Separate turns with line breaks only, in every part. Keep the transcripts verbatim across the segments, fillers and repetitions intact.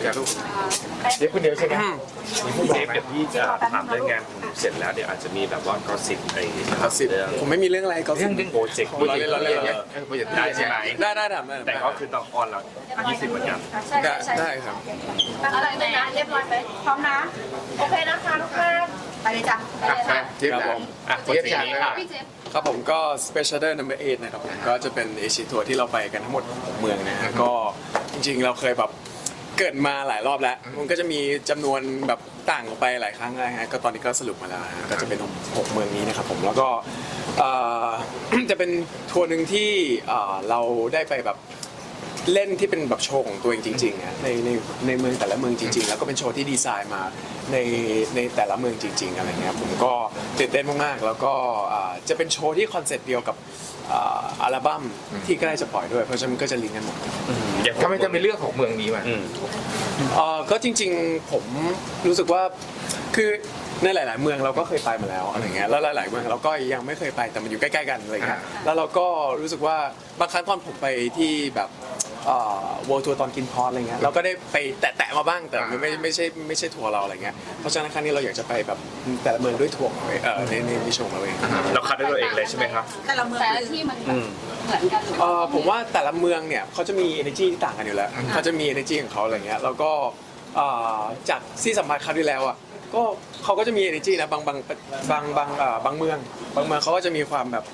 อย่าลูก
เดี๋ยวคนเดียวใช่ไหม
มีผู้เซฟเดี๋ยวพี่จะถามเรื่องงานของหนูเสร็จแล้วเดี๋ยวอาจจะมีแบบว่ากอสิบไอ้
ก็สิบ
เรื่อง
ผมไม่มีเรื่องอะไรก็สิบ
เรื่องโปรเจกต์
เราเล่นเราเล่นเราเล่น
โปรเจกต์
ได้ใช่ไหม
ได้ได้ทำได้
แต่ก็คือต้องออนละยี่สิบเหมือนกัน
ใช่
ได้
ใช่
ได้ครับ
อะไรนะเรียบร้อยไหมพร้อมนะ โอเคนะคะทุกท่านไปเลยจ้ะไปเลยค่ะ
เจี๊ยบ
ครับ
นะ
ผม
อ่ะโปรเจกต์นี้ค่ะ
พี่เจฟ
ครับผมก็ Special Day Number เอ็ดนะครับผมก็จะเป็นเอเชียทัวร์ที่เราไปกันทั้งหมดหกเมืองนะฮะก็จริงๆเราเคยแบบเกิดมาหลายรอบแล้ว มันก็จะมีจำนวนแบบต่างออกไปหลายครั้งนะฮะก็ตอนนี้ก็สรุปมาแล้วนะฮะก็จะเป็นหกเมืองนี้นะครับผมแล้วก็เอ่อ จะเป็นทัวร์หนึ่งที่เอ่อเราได้ไปแบบเล่นที่เป็นแบบโชว์ของตัวเองจริงๆนะในในในเมืองแต่ละเมืองจริงๆ แล้วก็เป็นโชว์ที่ดีไซน์มาในในแต่ละเมืองจริง ๆอะไรเงี้ยผมก็ตื่นเต้นมากๆแล้วก็อ่าจะเป็นโชว์ที่คอนเซ็ปต์เดียวกับอ่าอัลบั้มที่ใกล้จะปล่อยด้วยเพราะฉะนั้นก็จะลิงก์กันหมด
ทำไมจะมีเรื่องของเมืองนี้มา
อืม
เอ่อก็จริงๆผมรู้สึกว่าคือในหลาย ๆ เมืองเราก็เคยไปมาแล้วอะไรเงี้ยแล้วหลาย ๆ เมืองเราก็ยังไม่เคยไปแต่มันอยู่ใกล้ ๆ กันอะไรเงี้ยแล้วเราก็รู้สึกว่าบางครั้งตอนผมไปที่แบบเอ่อ World Tour ตอนกินพอสอะไรเงี้ยเราก็ได้ไปแตะๆมาบ้างแต่มันไม่ไม่ใช่ไม่ใช่ทัวร์เราอะไรเงี้ยเพราะฉะนั้นครั้งนี้เราอยากจะไปแบบแต่ละเมืองด้วยทัวร์ของเราเองเออในในในโชว์ของเราเอง
เราคัดด้วยตัวเองเลยใช่ไหมครับ
แต่ละเมืองแต่ละที่มันเหมือนกันหรือ
เอ่อผมว่าแต่ละเมืองเนี่ยเขาจะมี energy ที่ต่างกันอยู่แล้วเขาจะมี energy ของเขาอะไรเงี้ยแล้วก็เอ่อจากที่สัมภาษณ์คราวที่แล้วอ่ะก็เขาก็จะมี energy นะบางบางบางบางเอ่อบางเมืองบางเมืองเขาก็จะมีความแบบ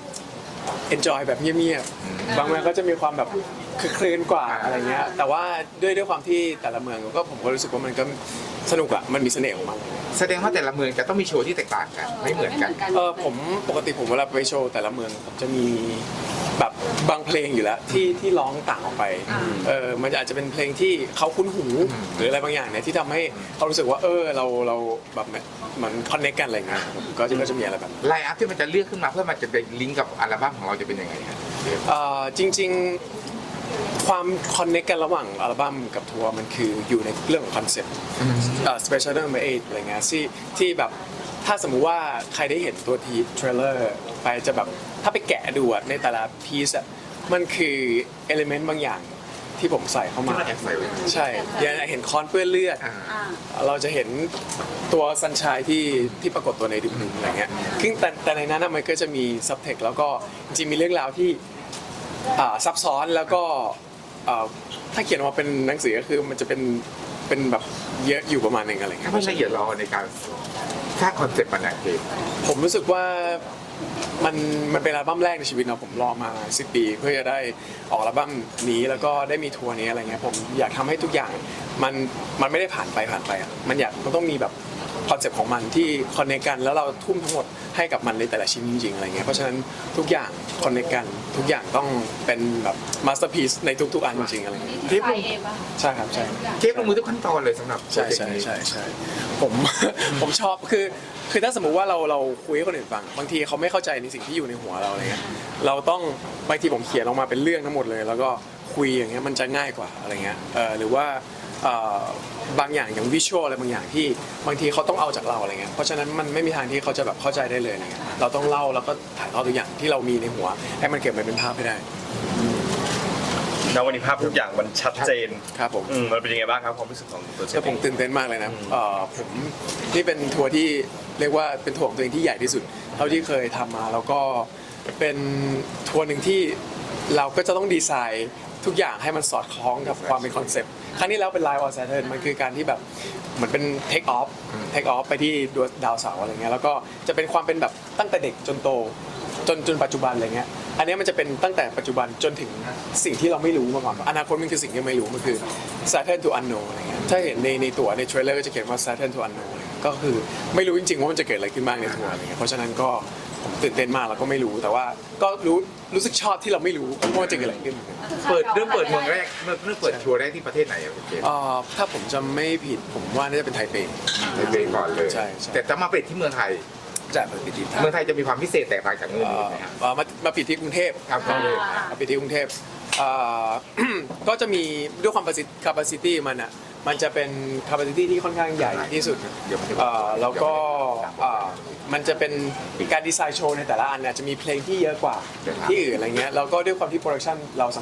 enjoy แบบเงียบๆบางเมืองก็จะมีความแบบคือคลื่นกว่าอะไรเงี้ยแต่ว่าด้วยด้วยความที่แต่ละเมืองก็ผมก็รู้สึกว่ามันก็สนุกอะมันมีเสน่ห์ของมัน
แสดงว่าแต่ละเมืองจะต้องมีโชว์ที่แตกต่างกันไม่เหมือนกัน
เออผมปกติผมเวลาไปโชว์แต่ละเมืองผมจะมีแบบบางเพลงอยู่แล้วที่ที่ร้องต่างออกไปเออมันอาจจะเป็นเพลงที่เขาคุ้นหูหรืออะไรบางอย่างเนี่ยที่ทำให้เขารู้สึกว่าเออเราเราแบบเหมือนคอนเนคกันอะไรเงี้ยผมก็จะก็จะมีอะไรแบบนั้น
ไลน์อัพที่มันจะเลือกขึ้นมาเพื่อมันจะเป็นลิงก์กับอัลบั้มของเราจะเป็นยังไงครับ
เอ่อจริงๆความคอนเนคกันระหว่างอัลบั้มกับทัวร์มันคืออยู่ในเรื่องของคอนเซ็ปต์เอ่อ Special Number เอ็ดอะไรเงี้ยที่ที่แบบถ้าสมมุติว่าใครได้เห็นตัวทีเทรลเลอร์ไปจะแบบถ้าไปแกะดูอะในแต่ละพีซอะมันคือเอลิเมนต์บางอย่างที่ผมใส่เข้ามา
ที่มันแอบใส่ไว้
ใช่อย่างเห็นคอนเปื้อนเลือด
อ่า
เราจะเห็นตัวซันชายที่ที่ปรากฏตัวในดึงๆอะไรเงี้ยซึ่งแต่แต่ในนั้นนะมันก็จะมีซับเทคแล้วก็จริงๆมีเรื่องราวที่อ่าซับซ้อนแล้วก็อ่าถ้าเขียนออกมาเป็นหนังสือก็คือมันจะเป็นเป็นแบบเยอะอยู่ประมาณหนึงอะไรเงี้
ถ้าย ไม่ละเอียดรอในการสร้างคอนเซ็ปต์มันนะเกม
ผมรู้สึกว่ามันมันเป็นอัลบั้มแรกในชีวิตเนาะผมรอมาสิบปีเพื่อจะได้ออกอัลบั้มนี้แล้วก็ได้มีทัวร์นี้อะไรเงี้ยผมอยากทำให้ทุกอย่างมันมันไม่ได้ผ่านไปผ่านไปอ่ะมันอยากมันต้องมีแบบคอนเซ็ปต์ของมันที่คอนเนคกันแล้วเราทุ่มทั้งหมดให้กับมันในแต่ละชิ้นจริงๆอะไรเงี้ยเพราะฉะนั้นทุกอย่างคอนเนคกันทุกอย่างต้องเป็นแบบมาสเตอร์พีซในทุกๆอันจริงๆอะไรเงี้ย
ที่ไทยเองป่ะ
ใช่ครับใช่
เกมลงมือทุกขั้นตอนเลยสำหรับโปร
ใช่
เจก
ใช่
ต์นี้
ใช่ใช่ผม ผมชอบคือคือถ้าสมมุติว่าเราเราคุยให้คนอื่นฟังบางทีเขาไม่เข้าใจในสิ่งที่อยู่ในหัวเราอะไรเงี้ยเราต้องบางทีผมเขียนออกมาเป็นเรื่องทั้งหมดเลย แล้วก็คุยอย่างเงี้ยมันจะง่ายกว่าอะไรเงี้ยเออหรือว่าเอ่อบางอย่างอย่างวิชวลอะไรบางอย่างที่บางทีเขาต้องเอาจากเราอะไรเงี้ยเพราะฉะนั้นมันไม่มีทางที่เขาจะแบบเข้าใจได้เลยอะไรเงี้ยเราต้องเล่าแล้วก็ถ่ายทอดตัวอย่างที่เรามีในหัวให้มันเก็บมาเป็นภาพให้ได้
แล้ววันนี้ภาพทุกอย่างมันชัดเจน
ครับผม
อืมมันเป็นยังไงบ้างครับความรู้สึกของตัวเจ
แต่ผมตื่นเต้นมากเลยนะเอ่อผมนี่เป็นทัวร์ที่เรียกว่าเป็นทัวร์ของตัวเองที่ใหญ่ที่สุดเท่าที่เคยทำมาแล้วก็เป็นทัวร์หนึ่งที่เราก็จะต้องดีไซน์ทุกอย่างให้มันสอดคล้องกับความเป็นคอนเซปต์ครั้งนี้แล้วเป็น Live on Saturn มันคือการที่แบบเหมือนเป็น take off take off ไปที่ดาวเสาร์อะไรเงี้ยแล้วก็จะเป็นความเป็นแบบตั้งแต่เด็กจนโตจนจนปัจจุบันอะไรเงี้ยอันนี้มันจะเป็นตั้งแต่ปัจจุบันจนถึงสิ่งที่เราไม่รู้มาก่อนอนาคตมันคือสิ่งที่ไม่รู้มันคือ Saturn to unknown อะไรเงี้ยถ้าเห็นในในตั๋วในเทรลเลอร์ก็จะเขียนว่า Saturn to unknown อะไรเงี้ยก็คือไม่รู้จริงๆว่ามันจะเกิดอะไรขึ้นบ้างในทัวร์อะไรเงี้ยเพราะฉะนั้นก็ผมตื่นเต้นมากแล้วก็ไม่รู้แต่ว่าก็รู้รู้สึกชอบที่เราไม่รู้ว่ามันจะเกิดอะไรขึ้น
เปิดเริ่มเปิดเมืองแรกเริ่มเริ่มเปิดทัวร์แรกที่ประเทศไหนอะเกม
เอ่อถ้าผมจำไม่ผิดผมว่าน่าจะเป็นไทเป
ไทเปก่อนเลย
ใช่ใช่
แต่จะมาปิดที่เมืองไทย
จากเปิดที่ไทย
เมืองไทยจะมีความพิเศษแตกต่างจากเมือง
เอ่
อื่
อน
ไหมครับ
เอ่อมามาปิดที่กรุงเทพ
ครับก็เลย
มาปิดที่กรุงเทพเอ่อ ก็จะมีด้วยความ capacity มันอ่ะมันจะเป็น capacity ที่ค่อนข้างใหญ่ที่สุด
เดี๋ยวมันจะ
เอ่อแล้วก็เอ่อมันจะเป็นการดีไซน์โชว์ในแต่ละอันเนี่ยจะมีเพลงที่เยอะกว่าที่อื่นอะไรเงี้ยแล้วก็ด้วยความที่โปรดักชันเราสามารถ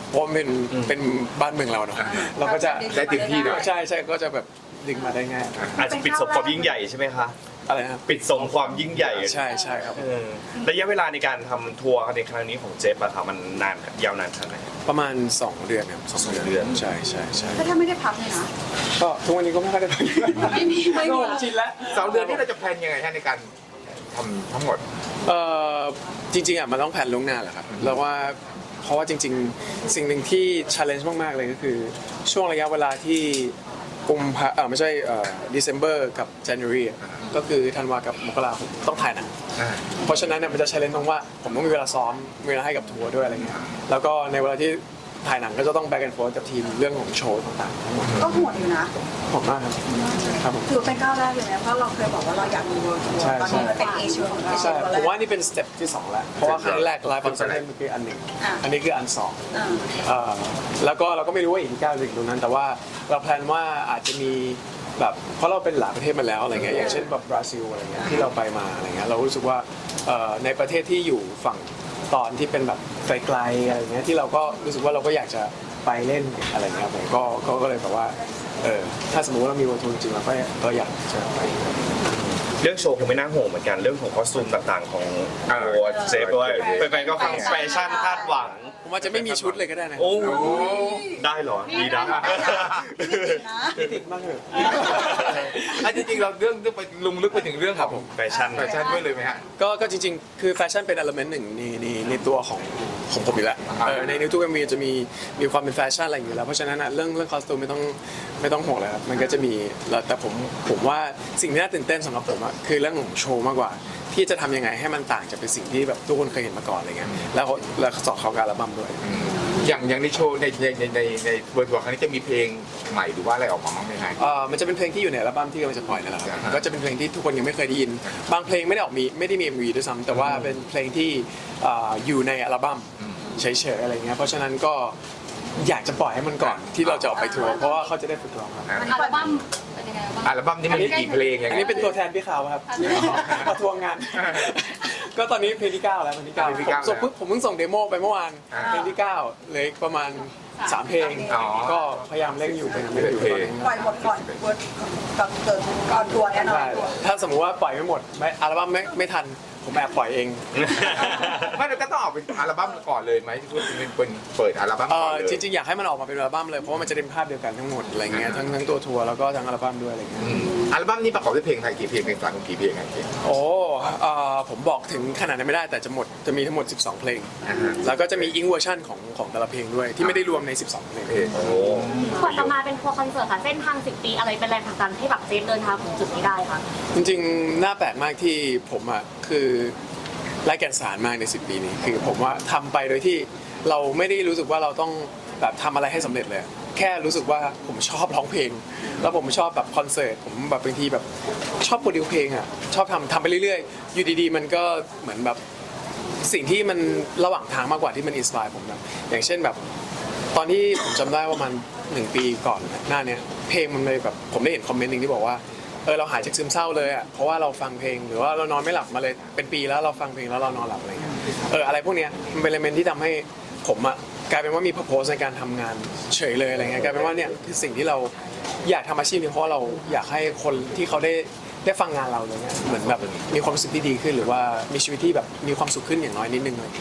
เพราะมันเป็นเป็นบ้านเมืองเราเนาะเราก็จะ
ได้เต็มที่ด้วย
ใช่ใช่ก็จะแบบดึงมาได้ง่าย
อาจจะปิดสมความยิ่งใหญ่ใช่ไหมคะ
อะไรนะครับ
ปิดสมความยิ่งใหญ่
ใช่ใช่ครับ
เออระยะเวลาในการทำทัวร์ในครั้งนี้ของเจฟอะค่ะมันนานยาวนานขนาดไหน
ประมาณ สอง เดือนครับสอง
สองเดือน
ใช่ใช่ใช่
ก็ถ้าไม่ได้พักเลยนะ
ก็ทุกวันนี้ก็ไม่ค่อยได้ไป
ไม่มีไม่มี
ชินแล้ว
สองเดือนนี้เราจะแพลนยังไงฮะในการทำทั้งหมด
เอ่อจริงๆอ่ะมันต้องแผนล่วงหน้าแหละครับแล้วว่าเพราะว่าจริงๆ สิ่งหนึ่งที่ challenge มากๆเลยก็คือช่วงระยะเวลาที่กุมภาเออไม่ใช่เอ่อ December กับ January อ่ะก็คือธันวากับมกราผมต้องถ่ายหนัง เพราะฉะนั้นเนี่ยมันจะ challenge ตรงว่าผมต้องมีเวลาซ้อมมีเวลาให้กับทัวร์ด้วยอะไรเงี้ยแล้วก็ในเวลาที่ถ่ายหนังก็จะต้อง back and forth กับทีมเรื่องของโชว์ต่างๆทั้งหมด
ก็โหดอยู่นะ
ขอบมากครับครับผม
ถือเป็นก้าวแรกเลยนะเพราะเราเคยบอกว่าเราอยากมีเวิร์ทัว
ใช่
ร์ตอนนี้มันเป็นเอเชียของเอเชี
ใช่
ยตัวแร
ผม
ก
ว่านี่เป็นสเต็ปที่สองแล้วเพราะว่าครั้งแรกไลฟ์ฟังก์ชันมันคืออันหนึ่ง
อ่ะ
อันนี้คืออันสอง
อ่า
เอ่อแล้วก็เราก็ไม่รู้ว่าอีกกี่ก้าวจะถึงตรงนั้น แต่ว่าเราแพลนว่าอาจจะมีแบบเพราะเราเป็นหลายประเทศมาแล้วอะไรเงี้ยอย่างเช่นแบบบราซิลอะไรเงี้ยที่เราไปมาอะไรเงี้ยเรารู้สึกว่าเอ่อในประเทศที่อยู่ฝั่งตอนที่เป็นแบบไกลๆอะไรเงี้ยที่เราก็รู้สึกว่าเราก็อยากจะไปเล่นอะไรเงี้ยผมก็ก็ก็เลยแบบว่าเออถ้าสมมติว่าเรามีวันทุนจริงเราก็ก็อยากจะไป
เรื่องโชว์คงไม่น่าห่วงเหมือนกันเรื่องของคอสตูมต่างๆของ
อ่า
ตัวเจฟด้วยแฟนๆก็ฟังแฟชั่นคาดหวัง
ผมว่าจะไม่มีชุดเลยก็ได้นะ
โอ้ได้เหรอดีนะ
ติดมากเลย
อันจริงๆเราเรื่องเรื่องไปลุงลึกไปถึงเรื่องของ
แฟชั่น
แฟชั่นด้วยเลยไหมฮะ
ก็ก็จริงๆ คือแฟชั่นเป็น element หนึ่งในในในตัวของของผมอยู่แล้ว
อ่า
เออในในทุกเอ็มวีจะมีมีความเป็นแฟชั่นอะไรอยู่แล้ว เพราะฉะนั้นอะเรื่องเรื่องคอสตูมไม่ต้องไม่ต้องห่วงเลยครับ มันก็จะมีแล้วแต่ผมผมว่าสิ่งที่น่าตื่นเต้นสำหรับผมอะคือเรื่องของโชว์มากกว่า ที่จะทำยังไงให้มันต่างจากเป็นสิ่งที่แบบทุกคนเคยเห็นมาก่อนอะไรเงี้ย แล้วแล้วสอดเข้ากับอัลบั้มด้วย
อย่างอย่างในโชว์ในในในในในเวิร์ดทัวร์ครั้งนี้จะมีเพลงใหม่หรือว่าอะไรออกมาบ้างไหมฮะ
เอ่อมันจะเป็นเพลงที่อยู่ในอัลบั้มที่กำลังจะปล่อยนั่นแหละครับ
อ่าฮะ
ก็จะเป็นเพลงที่ทุกคนยังไม่เคยได้ยิน บางเพลงไม่ได้ออกมีไม่ได้มี เอ็ม วี ด้วยซ้ำแต่ว่าเป็นเพลงที่เอ่ออยู่ในอัลบั้มเฉยๆอะไรเงี้ย เพราะฉะนั้นก็อยากจะปล่อยให้มันก่อนที่เราจะออกไปทัวร์เพราะว่าเขาจะได้ฝึกร้องครับ
อัลบั้มเป็นยังไงบ้าง
อัลบั้มนี้มันมีกี่เพลงอย่าง
อันนี้เป็นตัวแทนพี่ขาวครับมาทวงงาน ก็ตอนนี้เพลงที่เก้าแล้วเพลงที่เก้า
เพลงที่
ผม
เก้า
ส่งเพิ่งผมเพิ่งส่งเดโมไปเมื่อวาน
อ่า
เพลงที่เก้าเหลยประมาณสามเพลง
อ๋อ
ก็พยายามเร่งอยู่พยายามเร่งอยู่ตอนนี้
ปล่อยหมดก่อนเวิร์ดก่อนเกิดก่อนทัวร์แน่นอน
ใช่ถ้าสมมุติว่าปล่อยไม่หมดไม่อัลบั้มไม่ไม่ทันผมแอบปล่อยเอง
ไม่เราก็ต้องออกเป็นอัลบั้มก่อนเลยไหมที่เป็นเป็นเปิดอัลบั้ม
เอ
ก่อน
อ
เลย
จริงๆอยากให้มันออกมาเป็นอัลบั้มเลยเพราะว่ามันจะเป็นภาพเดียวกันทั้งหมดอะไรเงี้ยทั้งทั้งตัวทัวร์แล้วก็ทั้งอัลบั้มด้วยอะไรเงี้ย
อืมอัลบั้มนี้ประกอบด้วยเพลงไทยกี่เพลงเพลงสากลกี่เพลงไงพี่
โอ้เอ่อผมบอกถึงขนาดนั้นไม่ได้แต่จะหมดจะมีทั้งหมดสิบสองเพลง
อ่าฮะ
แล้วก็จะมีอิงเวอร์ชันของของแต่ละเพลงด้วยที่ไม่ได้รวมในสิบสองเพลง
เพลง
โอ้
กว่าจะมาเป็นทัวร์คอนเสิร์ตค่ะเส้นทางสิบปีอะไรเป็นแรงผลักดันให้แบบเจฟเดินทางถึงจุดนี้ได้คะ
จริงๆ น่าแปลกมากที่ผมอ่ะคือไร้แก่นสารมากในสิบปีนี้ คือผมว่าทำไปโดยที่เราไม่ได้รู้สึกว่าเราต้องแบบทำอะไรให้สำเร็จเลย แค่รู้สึกว่าผมชอบร้องเพลง แล้วผมชอบแบบคอนเสิร์ตผมแบบบางทีแบบชอบโปรดิวเพลงอ่ะชอบทำทำไปเรื่อยๆ อยู่ดีๆ มันก็เหมือนแบบสิ่งที่มันระหว่างทางมากกว่าที่มันอินสปายผมนะอย่างเช่นแบบตอนที่ผมจำได้ว่ามันหนึ่งปีก่อนหน้าเนี้ยเพลงมันเลยแบบผมได้เห็นคอมเมนต์หนึ่งที่บอกว่าเออเราหายจากซึมเศร้าเลยอ่ะเพราะว่าเราฟังเพลงหรือว่าเรานอนไม่หลับมาเลยเป็นปีแล้วเราฟังเพลงแล้วเรานอนหลับอะไรเงี้ยเอออะไรพวกเนี้ยมันเป็นเลเมนที่ทำให้ผมอ่ะกลายเป็นว่ามี purpose ในการทำงานเฉยเลยอะไรเงี้ยกลายเป็นว่าเนี่ยคือสิ่งที่เราอยากทำอาชีพนี้เพราะว่าเราอยากให้คนที่เขาได้ได้ฟังงานเราเลยเนี่ยเหมือนแบบมีความรู้สึกที่ดีขึ้นหรือว่ามีชีวิตที่แบบมีความสุขขึ้นอย่างน้อยนิดนึงเลย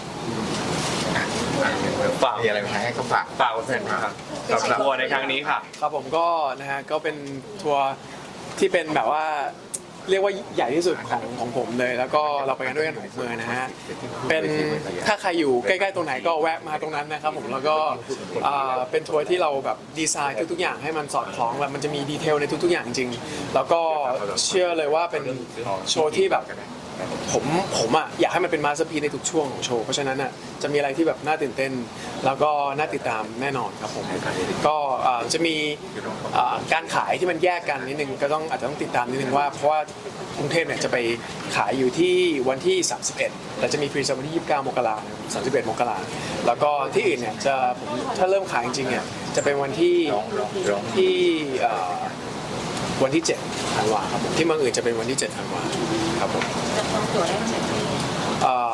ฝาก
มีอะไรไหมให้เขาฝาก
ฝากแฟนๆครับกับทัวร์ในครั้งนี้ค่ะ
ครับผมก็นะฮะก็เป็นทัวร์ที่เป็นแบบว่าเรียกว่าใหญ่ที่สุดของของผมเลย แล้วก็เราไปกันด้วยกันหกเมืองนะฮะเป็นถ้าใครอยู่ใกล้ๆตรงไหนก็แวะมาตรงนั้นนะครับผมแล้วก็อ่าเป็นทัวร์ที่เราแบบดีไซน์ทุกๆอย่างให้มันสอดคล้องแล้วมันจะมีดีเทลในทุกๆอย่างจริงแล้วก็เชื่อเลยว่าเป็นโชว์ที่แบบผมผมอ่ะอยากให้มันเป็นมาสเตอร์พีซในทุกช่วงของโชว์เพราะฉะนั้นอ่ะจะมีอะไรที่แบบน่าตื่นเต้น แล้วก็น่าติดตามแน่นอนครับผมก็อ่าจะมีอ่าการขายที่มันแยกกันนิดนึงก็ต้องอาจจะต้องติดตามนิดนึงว่าเพราะว่ากรุงเทพเนี่ยจะไปขายอยู่ที่วันที่สามสิบเอ็ดแต่จะมีพรีเซลวันที่ยี่สิบเก้ามกราคมสามสิบเอ็ดมกราคมแล้วก็ที่อื่นเนี่ยจะผมถ้าเริ่มขายจริงๆเนี่ยจะเป็นวันที่ที่อ่าวันที่เจ็ดธันวาครับผมที่เมืองอื่นจะเป็นวันที่เจ็ดธันวาครับผม
จะต้องตัวได้เสร็จที่
เอ่อ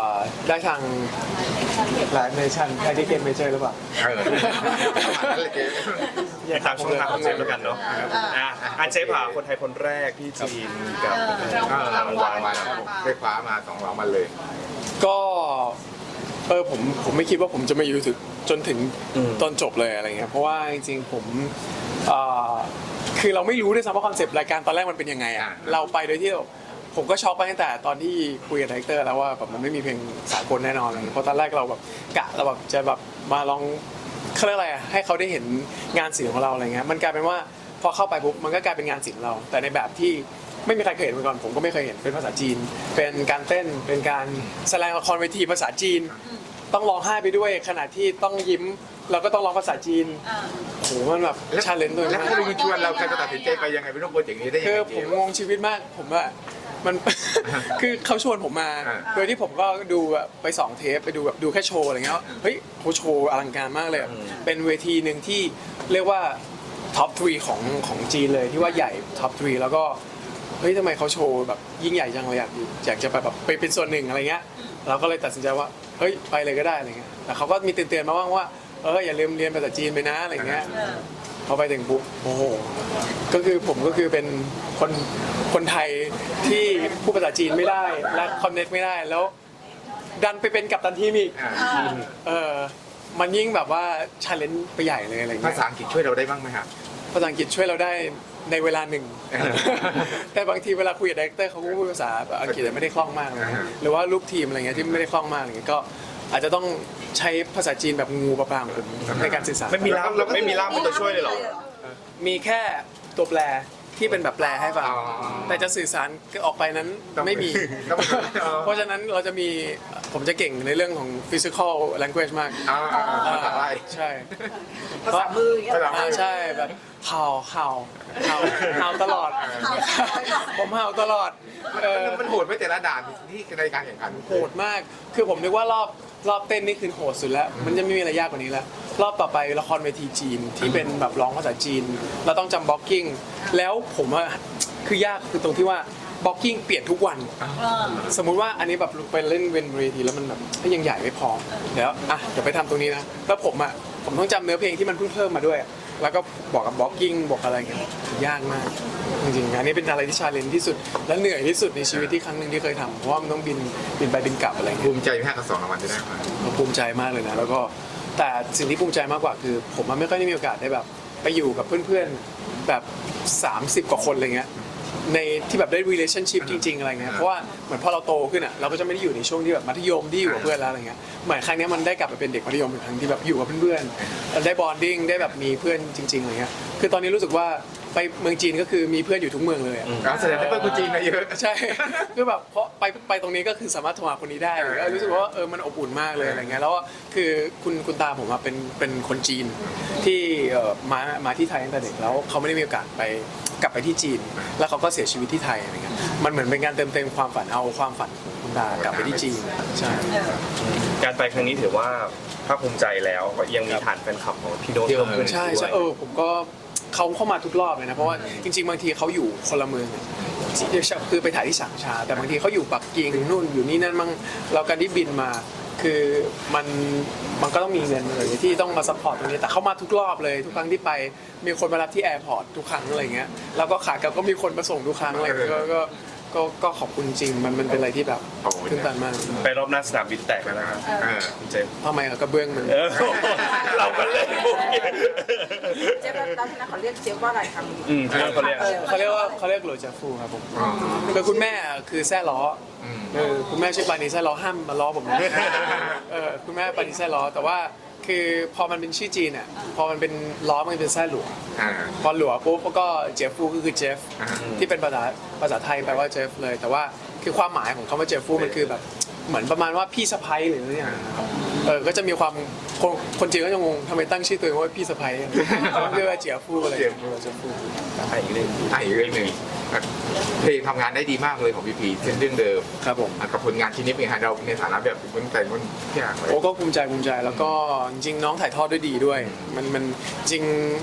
ได้ทางไลฟ์เนชั่นไทยที่เกมเมเจอร์หรือเปล่า
เออประมาณนั้นเลยเจ๊
ติดตามช่องทางของเจฟแล้วกันเนาะอ่ะอันเจฟผ่าคนไทยคนแรกที่จีนกับ
เออรางวัลมาได้คว้ามาสองรางวัลเลย
ก็เออผมผมไม่คิดว่าผมจะมาอยู่ถึงจนถึงตอนจบเลยอะไรเงี้ยเพราะว่าจริงๆผมเอ่อคือเราไม่รู้ด้วยซ้ำว่าคอนเซปต์รายการตอนแรกมันเป็นยังไงอ่ะ
อ่า
เราไปโดยที่ผมก็ช็อกไปตั้งแต่ตอนที่คุยกับไดเรคเตอร์แล้วว่าแบบมันไม่มีเพลงสากลแน่นอนเลยเพราะตอนแรกเราแบบกะเราแบบจะแบบมาลองเขาเรียกอะไรอ่ะให้เขาได้เห็นงานศิลป์ของเราอะไรเงี้ยมันกลายเป็นว่าพอเข้าไปปุ๊บมันก็กลายเป็นงานศิลป์เรา แต่ในแบบที่ไม่มีใครเคยเห็นมาก่อนผมก็ไม่เคยเห็นเป็นภาษาจีน เป็นการเต้นเป็นการแสดงละครเวทีภาษาจีน ต้องร้องไห้ไปด้วยขณะที่ต้องยิ้มเราก็ต้องร้องภาษาจีนโอ้โหมันแบบชาเลนจ์ตัว
แล้ว
มาก
ถ้าลุงชวนเราใครจะตัดสินใจไปยังไงเป็นโปรเจกต์นี้ได้ยัง
คือ
ไง
ผ
เจ๊
มงงชีวิตมากผมว่ามัน คือเขาชวนผมมา
อ่า
โดยที่ผมก็ดูแบบไปสองเทปไปดูแบบดูแค่โชว์อะไรเงี้ยเฮ้ยเขาโชว์อลังการมากเลยอะเป็นเวทีหนึ่งที่เรียกว่าท็อปทรีของของจีนเลยที่ว่าใหญ่ท็อปทรีแล้วก็เฮ้ยทำไมเขาโชว์แบบยิ่งใหญ่จังเลยอยากอยากจะไปแบบไปเป็นส่วนหนึ่งอะไรเงี้ยเราก็เลยตัดสินใจว่าเฮ้ยไปเลยก็ได้อะไรเงี้ยแต่เขาก็มีเตือนๆมาบ้างว่าเอออย่าลืมเรียนภาษาจีนไปนะอะไรเงี้ยพอไปถึงปุ๊บโอ้โหก็คือผมก็คือเป็นคนคนไทยที่พูดภาษาจีนไม่ได้และคอนเนคไม่ได้แล้วดันไปเป็นกัปตันทีมอีก
อ่า
เออมันยิ่งแบบว่าชาเลนจ์ไปใหญ่เลยอะไร
ภา
เงี้ย
ษาอังกฤษช่วยเราได้บ้างไหมครับ
ภาษาอังกฤษช่วยเราได้ในเวลาหนึ่ง แต่บางทีเวลาคุยกับดีเรคเตอร์เขาก็พูดภาษาอังกฤษแต่ไม่ได้คล่องมากนะ
อ่าฮะ
หรือว่าลูกทีมอะไรเงี้ยที่ไม่ได้คล่องมากอะไรเงี้ยก็อาจจะต้องใช้ภาษาจีนแบบงูปลาปลาของผมในการสื่อสาร
ไม่มีล่ามไม่มีล่ามเป็นตัวช่วยเลยเหรอ
มีแค่ตัวแปรที่เป็นแบบแปลให้ฟัง
อ๋อ
แต่จะสื่อสารออกไปนั้นไม่มี
ต้องอ๋อ
เพราะฉะนั้นเราจะมีผมจะเก่งในเรื่องของ physical language มาก
อ่าภาษาอะไร
ใช่
ภาษามืออย่างเงี้ย
ภาษา
อ่าใช่แบบเห่าเห่าเห่าเห่าตลอด ผมเห่าตลอดเออ
มันโหดไม่แต่ละด่านที่ในการแข่งขัน
โหดมาก คือผมนึกว่ารอบรอบเต้นนี่คือโหดสุดแล้ว มันจะไม่มีอะไรยากกว่านี้แล้ว รอบต่อไปละครเวทีจีนที่เป็นแบบร้องภาษาจีน เราต้องจำบล็อกกิ้ง แล้วผมว่าคือยากคือตรงที่ว่าบล็อกกิ้งเปลี่ยนทุกวัน สมมุติว่าอันนี้แบบไปเล่นเวนเวทีแล้วมันแบบยังใหญ่ไม่พอ เดี๋ยวอ่ะเดี๋ยวไปทำตรงนี้นะ แล้วผมอ่ะผมต้องจำเนื้อเพลงที่มันเพิ่งเพิ่มมาด้วย แล้วก็บอกกับบล็อกกิ้งบอกอะไรเงี้ยยากมาก จริงๆอันนี้เป็นอะไรที่ชาเลนจ์ที่สุด และเหนื่อยที่สุดในชีวิตที่ครั้งหนึ่งที่เคยทำเพราะว่ามันต้องบินบินไปบินกลับอะไรเงี้ย
ภูมิใจไหมฮะกับสองรางวัลที่ได้มา
ผมภูมิใจมากเลยนะแล้วก็แต่สิ่งที่ภูมิใจมากกว่าคือ ผมมันไม่ค่อยได้มีโอกาสได้แบบ ไปอยู่กับเพื่อนๆแบบสามสิบกว่าคนอะไรเงี้ยในที่แบบได้ relationship จริงๆอะไรเงี้ยเพราะว่าเหมือนพอเราโตขึ้นอ่ะเราก็จะไม่ได้อยู่ในช่วงที่แบบมัธยมที่อยู่กับเพื่อนแล้วอะไรเงี้ยเหมือนครั้งเนี้ยมันได้กลับไปเป็นเด็กมัธยมอีกครั้งที่แบบอยู่กับเพื่อนๆได้ bonding ได้แบบมีเพื่อนจริงๆอะไรเงี้ยคือตอนนี้รู้สึกว่าไปเมืองจีนก็คือมีเพื่อนอยู่ทุกเมืองเลยอะ
อ่าแสดงว่าเพื่อนคนจีนนะเยอะ
ใช่ คือแบบเพราะไปไปตรงนี้ก็คือสามารถโทรหาคนนี้ได้เลยรู้สึกว่าเออมันอบอุ่นมากเลยอะไรเงี้ยแล้วก็คือคุณคุณตาผมอะเป็นเป็นคนจีนที่เอ่อมามาที่ไทยตั้งแต่เด็กแล้วเขาไม่ได้มีโอกาสไปกลับไปที่จีน แล้วเขาก็เสียชีวิตที่ไทยอะไรเงี้ยมันเหมือนเป็นการเติมเต็มความฝันเอาความฝันของคุณตากลับไปที่จีนใช่
การไปครั้งนี้ถือว่าภาคภูมิใจแล้วก็ยังมีฐานแฟนคลับของพี่โน้ต
ที่เรา
เพิ่ม
ใช่ใช่เออผมก็เขาเข้ามาทุกรอบเลยนะเพราะว่าจริง ๆ บางทีเขาอยู่คนละเมืองคือไปถ่ายที่สังชาแต่บางทีเขาอยู่ปักกิ่งนู่นอยู่นี่นั่นมั่งเราการที่บินมาคือมันมันก็ต้องมีเงินอะไรที่ต้องมาซัพพอร์ตตรงนี้แต่เขามาทุกรอบเลยทุกครั้งที่ไปมีคนมารับที่แอร์พอร์ตทุกครั้งอะไรเงี้ยแล้วก็ขากลับก็มีคนมาส่งทุกครั้งอะไรเงี้ยก็ก็ก็ก็ขอบคุณจริงมันมันเป็นอะไรที่แบบตื่นตันมาก
ไปรอบหน้าสนามบินแตกแล้วนะครับ
เออ
คุณเจมส์
ทำไมอะกระเบื้องมัน
เออเราก็เล่นพวกนี้
เจ๊ตอนที่นั้นเขาเรียกเจ๊ว่าอะไรคำ
อืมเขาเรียก
เขาเรียกว่าเขาเรียกโหลจาฟูครับผม
อ๋อ
คือคุณแม่คือแซ่ล้ออ
ม
เออคุณแม่ชื่อปานีแซ่ล้อห้ามมาล้อผมนะเออคุณแม่ปานีแซ่ล้อแต่ว่าคือพอมันเป็นชื่อจีนอ่ะพอมันเป็นล้อมันเป็นแซ่หลัว
อ่า
พอหลัวปุ๊บก็เจฟฟูก็คือเจฟ
อ่า
ที่เป็นภาษาภาษาไทยแปลว่าเจฟเลย แต่ว่าคือความหมายของคำว่าเจฟฟูมันคือแบบเหมือนประมาณว่าพี่สะพ้ยหรืออะไรอย่างเงี้ยครับเออก็จะมีความคนคนจีนก็จะงงทำไมตั้งชื่อตัวเองว่าพี่สะพ้ยเขาเรียกว่าเจียฟูอะไรอย่างเงี้ยเจียฟู
ไปอีกเรื่อง
อ่ะอีกเรื่องหนึ่งเพลงทำงานได้ดีมากเลยของพี่พีเช่นเรื่องเดิม
ครับผม
อ่ะกับผลงานชิ้นนี้เป็นไงฮะเราในฐานะแบบคนแต่งคนที่อ่านเลย
โอ้ก็ภูมิใจภูมิใจแล้วก็จริงๆน้องถ่ายทอดด้วยดีด้วย มันมันจริง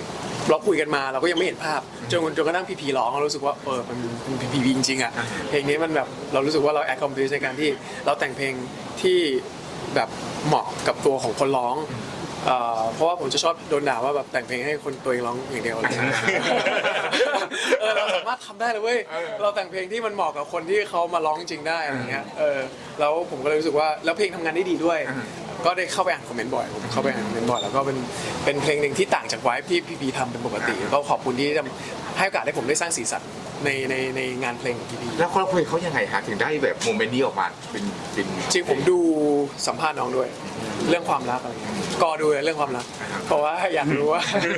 เราคุยกันมาเราก็ยังไม่เห็นภาพจนจนกระทั่งพีพีร้องเรารู้สึกว่าเออมันเป็นพีพีจริงๆอ่ะเพลงนี้มันแบบเรารู้สึกว่าเรา accomplish ในการที่เราแต่งเพลงที่แบบเหมาะกับตัวของคนร้องเอ่อเพราะว่าผมจะชอบโดนด่าว่าแบบแต่งเพลงให้คนตัวเองร้องอย่างเดียวอะไรเงี้ยเออเราสามารถทำได้เลยเว้ยเราแต่งเพลงที่มันเหมาะกับคนที่เขามาร้องจริงได้อะไรเงี้ยเออแล้วผมก็เลยรู้สึกว่าแล้วเพลงทำงานได้ดีด้วย ก็ได้เข้าไปอ่านคอมเมนต์บ่อยผมเข้าไปอ่านคอมเมนต์บ่อยแล้วก็เป็นเป็นเพลงหนึ่งที่ต่างจากไวฟ์ที่พี่พีทำเป็นปกติก็ขอบคุณที่ให้โอกาสให้ผมได้สร้างสีสันในในในงานเพลงของพี่พี
แล้วครอบครัวเขายังไงฮะถึงได้แบบโมเมนต์นี้ออกมาเป็นเป็น
จริงผมดูสัมภาษณ์น้องด้วย เรื่องความรักอะไรเงี้ยก็ดูเรื่องความรักเพราะว่าอยากรู้ว่า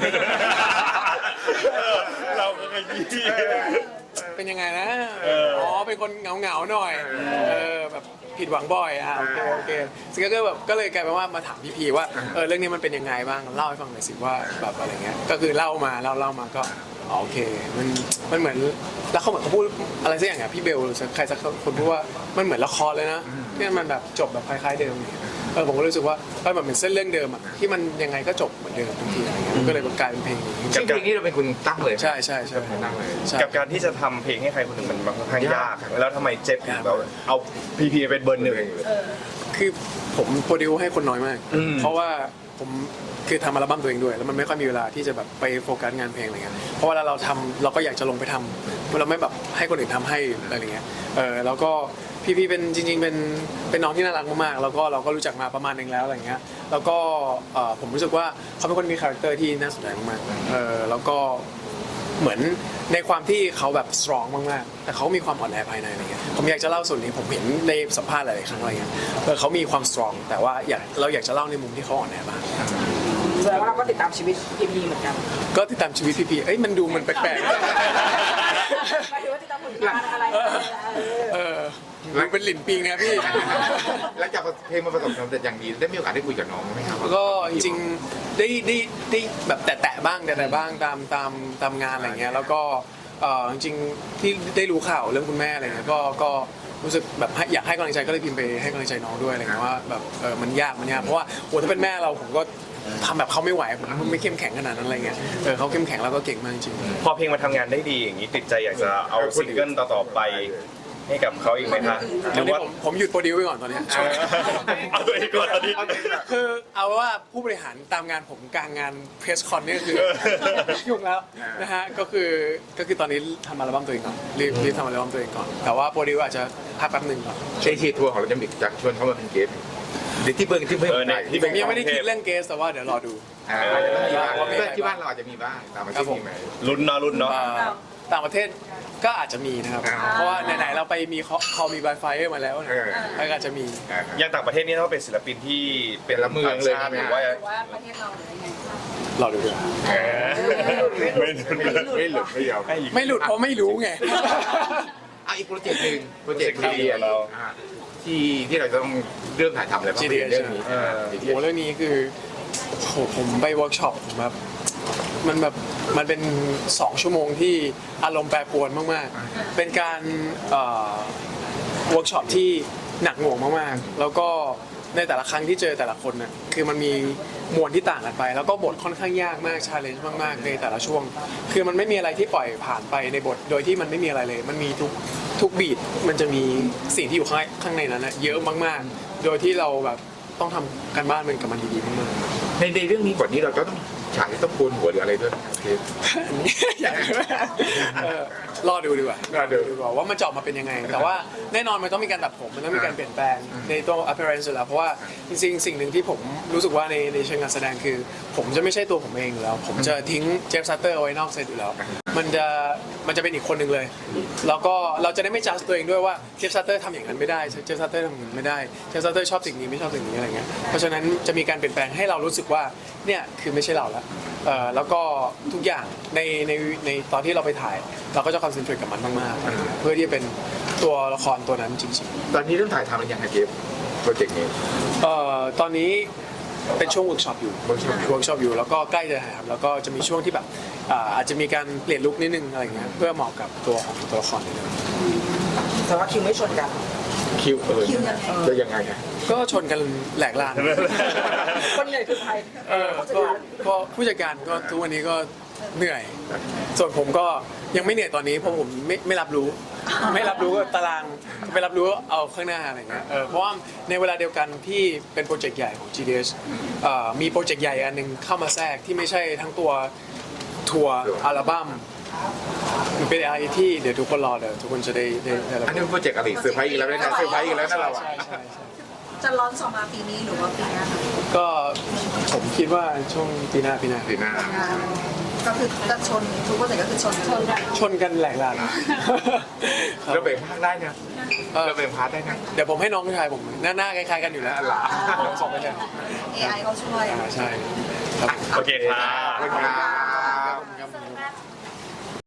เราก็เคยยี่
เป็นยังไงนะอ๋อเป็นคนเหงาเหงาๆหน่อยเออแบบผิดหวังบ่อยอ่ะโอเคโอเคซึ่งก็แบบก็เลยกลายเป็นว่ามาถามพี่พีว่าเออเรื่องนี้มันเป็นยังไงบ้างเล่าให้ฟังหน่อยสิว่าแบบอะไรเงี้ยก็คือเล่ามาเล่าเล่ามาก็อ๋อโอเคมันมันเหมือนแล้วเขาเหมือนเขาพูดอะไรสักอย่างอ่ะพี่เบลหรือใครสักคนพูดว่ามันเหมือนละครเลยนะที่มันแบบจบแบบคล้ายๆเดิมเออผมก็รู้สึกว่าเออมันเหมือนเส้นเรื่องเดิมอ่ะที่มันยังไงก็จบเหมือนเดิมทุกทีอะไรเงี้ยมันก็เลยกลายเป็นเพลงนี้
ซึ่งเพลงนี้เราเป็นคนตั้งเลย
ใช่ใช่ใช่
ตั้งเลย
ใช่
กับการที่จะทำเพลงให้ใครคนหนึ่งมันค่อนข้างยาก แล้วทำไมเจ็บถึงแบบเอาพีพีเป็นเบอร์หนึ่ง
คือผมโปรดิวให้คนน้อยมาก
อืม
เพราะว่าผมคือทำอัลบั้มตัวเองด้วย แล้วมันไม่ค่อยมีเวลาที่จะแบบไปโฟกัสงานเพลงอะไรเงี้ย เพราะเวลาเราทำเราก็อยากจะลงไปทำเราไม่แบบให้คนอื่นทำให้อะไรเงี้ย เออแล้วก็พี่พี่เป็นจริง ๆ เป็นเป็นน้องที่น่ารักมากๆ แล้วก็เราก็รู้จักมาประมาณหนึงแล้วอะไรเงี้ย แล้วก็เอ่อผมรู้สึกว่าเขาเป็นคนมีคาแรคเตอร์ที่น่าสนใจมากๆ เออแล้วก็เหมือนในความที่เขาแบบสตรองมากๆ แต่เขามีความอ่อนแอภายในอะไรเงี้ย ผมอยากจะเล่าส่วนนี้ผมเห็นในสัมภาษณ์หลายๆครั้งอะไรเงี้ยเออเขามีความสตรองแต่ว่าอยากเราอยากจะเล่าในมุมที่เขาอ่อนแอบ้าง
แสดงว่าเราก็ติดตามชีวิตพีพีเหมือนกัน
ก็ติดตามชีวิตพี่พีเอ้ยมันดูมันแปลก
หมายถึงว่าติดตามผลงานอะไรเออ
ๆ เออมันเป็นหลินปิงนะพี่
หลังจากเพลงมันประสบความสำเร็จอย่างดีได้มีโอกาสได้คุยกับน้องไหมครับ
ก็จริงๆได้ได้ได้แบบแตะๆบ้างแตะๆบ้างตามตามตามงานอะไรเงี้ยแล้วก็เอ่อจริงๆที่ได้รู้ข่าวเรื่องคุณแม่อะไรเงี้ยก็ก็รู้สึกแบบให้อยากให้กำลังใจก็เลยพิมพ์ไปให้กำลังใจน้องด้วยอะไรเงี้ยว่าแบบเออมันยากมันยากเพราะว่าโอ้ถ้าเป็นแม่เราผมก็ทำแบบเขาไม่ไหวผมไม่เข้มแข็งขนาดนั้นอะไรเงี้ยเออเขาเข้มแข็งแล้วก็เก่งมากจริง
พอเพลงมาทำงานได้ดีอย่างนี้ติดใจอยากจะเอาซิงเกิลต่อๆไปให้กับเขาอีกไหมคะห
ตอ
รื
น
อ
นี้
ว่า
ผมผมหยุดโปรดิวไว้ก่อนตอนเนี้ย
เอาตัวเองก่อนตอนนี้
คือเอาว่าผู้บริหารตามงานผมกลางงานเพรสคอนนี่ก็คือยุ่งแล้วนะฮะก็คือก็คือตอนนี้ทำอัลบั้มตัวเองก่อนรีบรีบทำอัลบั้มตัวเองก่อนแต่ว่าโปรดิวอาจจะพักแป๊บหนึ่งก่อน
เอเชียทัวร์ของเราจะมีจะชวนเขามาเป็นเกสต์หรือที่เพิ่งที่เพิ่ง
เออเนี่ยที่
ผมยังไม่ได้คิดเรื่องเกสแต่ว่าเดี๋ยวรอดู
อ่าอาจจะต้องมีบ้างเพื่อนที่บ้านเราอาจจะมีบ้างตามมาที่นี่ไหม
ลุ้นเนาะลุ้นเนาะ
เอ่อต่างประเทศก็อาจจะมีนะครับ
อ่า
เพราะว่าไหนๆเราไปมีคอมีไวไฟมาแล้วนะ
เออ
แล้วก็อาจจะมี
อ่า
อย่างต่างประเทศนี่ต้องเป็นศิลปินที่เป็น
แต่ละเมืองเลย
ต่าชาติ
ใช่
ห
ไหม
รือว่า
ว่าประเทศเราหรือยังไง
รอดูด้วย
ไม่ลุ้น
ไม่หลุดไม่ยอม
ไม่หลุดเพราะไม่รู้ไง
อ่ะอีกโปรเจกต์หนึ่งโปรเจกต์
โปรเจกต์
ที่
ของเรา
อ่าที่ที่เราจะต้องเริ่มถ่ายทำอะไรบ้าง
จี ดี
เรื่องนี้
เออ
จีดี
โหเรื่องนี้คือโหผมไปเวิร์กช็อปผมแบบมันแบบมันเป็นสองชั่วโมงที่อารมณ์แปรปรวนมากๆ เป็นการเวิร์กช็อปที่หนักหน่วงมากๆ แล้วก็ในแต่ละครั้งที่เจอแต่ละคนน่ะคือมันมีมวลที่ต่างกันไป แล้วก็บทค่อนข้างยากมากชาเลนจ์มากๆในแต่ละช่วง คือมันไม่มีอะไรที่ปล่อยผ่านไปในบทโดยที่มันไม่มีอะไรเลย มันมีทุกทุกบีทมันจะมีสิ่งที่อยู่ข้างข้างในนั้นนะเยอะมากๆ โดยที่เราแบบต้องทำการบ้านเป็นกับมันดีๆมากๆ
ในในเรื่องนี้บทนี้เราจะต้องฉากที่ต้องโกนหัวหรืออะไรด้วยโอเค
อยากรู้เออรอดูดีกว่าร
อดู
ดีกว่าว่ามันจะออกมาเป็นยังไง แต่ว่าแน่นอนมันต้องมีการตัดผมมันต้องมีการเปลี่ยนแปลงในตัว appearance อยู่แล้วเพราะว่าจริงๆสิ่งหนึ่งที่ผมรู้สึกว่าในในเชิงการแสดงคือ ผมจะไม่ใช่ตัวผมเองอยู่แล้ว ผมจะทิ้งเจฟซัตเตอร์เอาไว้นอกเซตอยู่แล้ว มันจะมันจะเป็นอีกคนหนึ่งเลย แล้วก็เราจะได้ไม่จัดตัวเองด้วยว่าเจฟซัตเตอร์ทำอย่างนั้นไม่ได้เจฟซัตเตอร์ทำอย่างนั้นไม่ได้เจฟซัตเตอร์ชอบสิ่งนี้ไม่ชอบสิ่งนี้อะไรเงี้ยเพราะฉะนั้นจะมีการเปลี่ยนแปลงให้เรารู้สึกว่าเนี่ยคือไม่ใช่เราแล้วเอ่อแล้วก็ทุกอย่างในในในตอนที่เราไปถ่าย เราก็จะคอนเซนเทรตกับมันมากๆเพื่อที่จะเป็นตัวละครตัวนั้นจริง
ตอนนี้เรื่องถ่ายทำเป็นยังไงเจฟโปรเจกต์นี้
ๆเอ่อตอนนี้เป็นช่วงเวิร์กช็อปอยู่
workshop
เวิร์กช็อปอยู่แล้วก็ใกล้จะถ่ายทำแล้วก็จะมีช่วงที่แบบอ่าอาจจะมีการเปลี่ยนลุคนิดนึงอะไรเงี้ยเพื่อเหมาะกับตัวของตัวละครนิดนึง
แต่ว่าคิวไม่ชนกัน
คิวเออจะยังไงอะ
ก็ชนกันแหลกลาน
คนใหญ่คือใคร
เออ
ผู้จัด
ก็
การ
ก็ผู้จัดการก็ทุกวันนี้ก็เหนื่อย ส่วนผมก็ยังไม่เหนื่อยตอนนี้เพราะผมไม่ไม่รับรู้ ไม่รับรู้ว่าตารางไม่รับรู้ว่าเอาข้างหน้าอะไรเงี้ยเออเพราะว่าในเวลาเดียวกันที่เป็นโปรเจกต์ใหญ่ของ จี ดี เอส เอ่อมีโปรเจกต์ใหญ่อันหนึงเข้ามาแทรกที่ไม่ใช่ทั้งตัวทัวร์อัลบั้มมันเป็นอะไรที่เดี๋ยวทุกคนรอเดี๋ยวทุกคนจะได้ได้ได้รับ
อันนี้เป็นโปรเจกต์อะไรเซอร์ไพรส์อีกแล้วนะเซอร์ไพรส์อีกแล้วนะเราอะ
ใช่ใช่ใช่
จะร้อนสองมาปีนี้หรือว่าปีหน้าคะ
ก็ผมคิดว่าช่วงปีหน้าปีหน้า
ปีหน้า
ก็คือจะชนทุกโปรเจกต์ก็คือชนชนกัน
ชนกันแหลกลาน
เราแบ่งพาร์ทได้นะ
เออ
เราแบ่งพาร์ทได้นะ
เดี๋ยวผมให้น้องชายผมหน้าหน้าคล้ายๆกันอยู่แล้ว
หลา
สองคนเนี่ย
เอ ไอ เขาช่วย
อ่าใช่ครับ
โอเคครับ
ขอบคุณครับ
ครับ